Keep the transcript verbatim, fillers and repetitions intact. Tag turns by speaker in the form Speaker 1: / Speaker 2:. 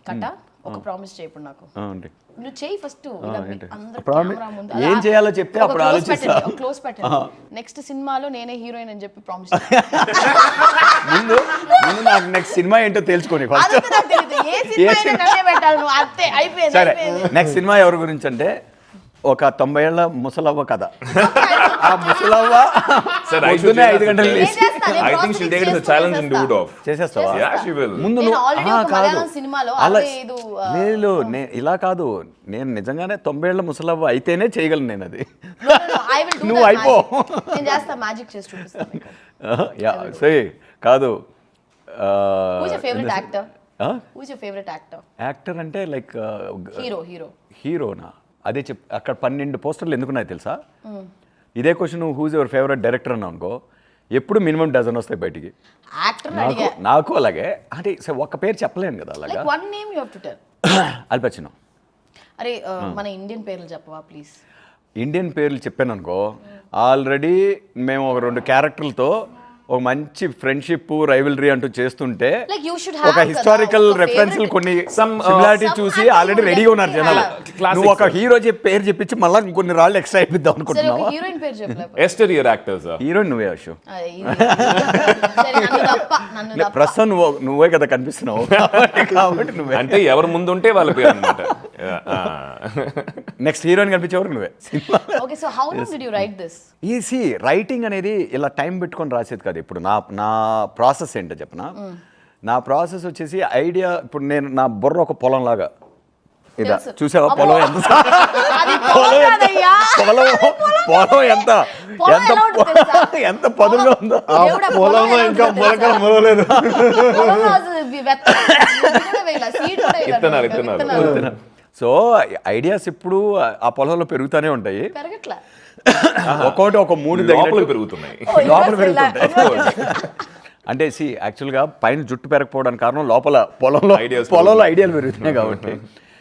Speaker 1: కట ఒక ప్రామిస్ చేయప్పుడు నాకు నువ్వు చేయి ఫస్ట్
Speaker 2: ఏం చేయాలో చెప్తే అప్పుడు ఆలోచిస్తా.
Speaker 1: క్లోజ్ పెట్టండి నెక్స్ట్ సినిమాలో నేనే హీరోయిన్ అని చెప్పి ప్రామిస్
Speaker 2: ముందు ముందు నాకు నెక్స్ట్ సినిమా ఏంటో తెలుసుకోని ఫస్ట్. సరే నెక్స్ట్ సినిమా ఎవరి గురించి అంటే ఒక తొంభై ఏళ్ల ముసలవ్వ కథ. ఆ ముసలవ్వ పొద్దున్నే ఐదు గంటలు లేచి చేసేస్తావా ముందు అలా లేదు. ఇలా కాదు, నేను నిజంగానే తొంభై ఏళ్ల ముసలవ్వ అయితేనే చేయగలను నేను అది. నువ్వు అయిపో సరే కాదు. యాక్టర్ అంటే లైక్ హీరోనా? అదే చెప్ అక్కడ పన్నెండు పోస్టర్లు ఎందుకున్నాయి తెలుసా? ఇదే question who's your favourite director అని అనుకో, ఎప్పుడు మినిమం డజన్ వస్తాయి బయటికి. నాకు నాకు అలాగే అంటే ఒక్క పేరు చెప్పలేను కదా అలాగా. అల్ పచినో.
Speaker 1: అరే మన ఇండియన్ పేర్లు చెప్పవా ప్లీజ్?
Speaker 2: ఇండియన్ పేర్లు చెప్పాను అనుకో, ఆల్రెడీ మేము ఒక రెండు క్యారెక్టర్లతో ఒక మంచి ఫ్రెండ్షిప్ రైవల్రీ అంటూ చేస్తుంటే ఒక హిస్టారికల్ రెఫరెన్స్ కొన్ని సిమిలారిటీ చూసి ఆల్రెడీ రెడీగా ఉన్నారు జనాలు. నువ్వు ఒక హీరో చెప్పి పేరు చెప్పించి మళ్ళీ కొన్ని రాళ్ళు ఎక్స్ట్రా అయిపోద్దాం అనుకుంటున్నావు. హీరోయిన్ నువ్వే అశు. ప్రస్తుతం నువ్వు నువ్వే కదా కనిపిస్తున్నావు కాబట్టి నువ్వే.
Speaker 3: అంటే ఎవరు ముందు ఉంటే వాళ్ళ పేరు అన్నమాట.
Speaker 2: నెక్స్ట్ హీరోయిన్ కనిపించేవరకు నువ్వే. ఈజీ రైటింగ్ అనేది ఇలా టైం పెట్టుకొని రాసేది కాదు. ఇప్పుడు నా నా ప్రాసెస్ ఏంటో చెప్పనా? నా ప్రాసెస్ వచ్చేసి ఐడియా, ఇప్పుడు నేను నా బుర్ర ఒక పొలం లాగా. ఇదా చూసావా పొలం ఎంత పొలం పొలం ఎంత ఎంత ఎంత పదులుగా ఉందో.
Speaker 4: పొలంలో ఇంకా మొలకలు మొలలేదు.
Speaker 2: సో ఐడియాస్ ఇప్పుడు ఆ పొలంలో పెరుగుతూనే ఉంటాయి. ఒక్కొక్కటి ఒక మూడు
Speaker 3: లోపల పెరుగుతున్నాయి
Speaker 2: లోపల పెరుగుతుంటాయి. అంటే సి యాక్చువల్గా పైన జుట్టు పెరగకపోవడానికి కారణం లోపల పొలంలో పొలంలో ఐడియాలు పెరుగుతున్నాయి కాబట్టి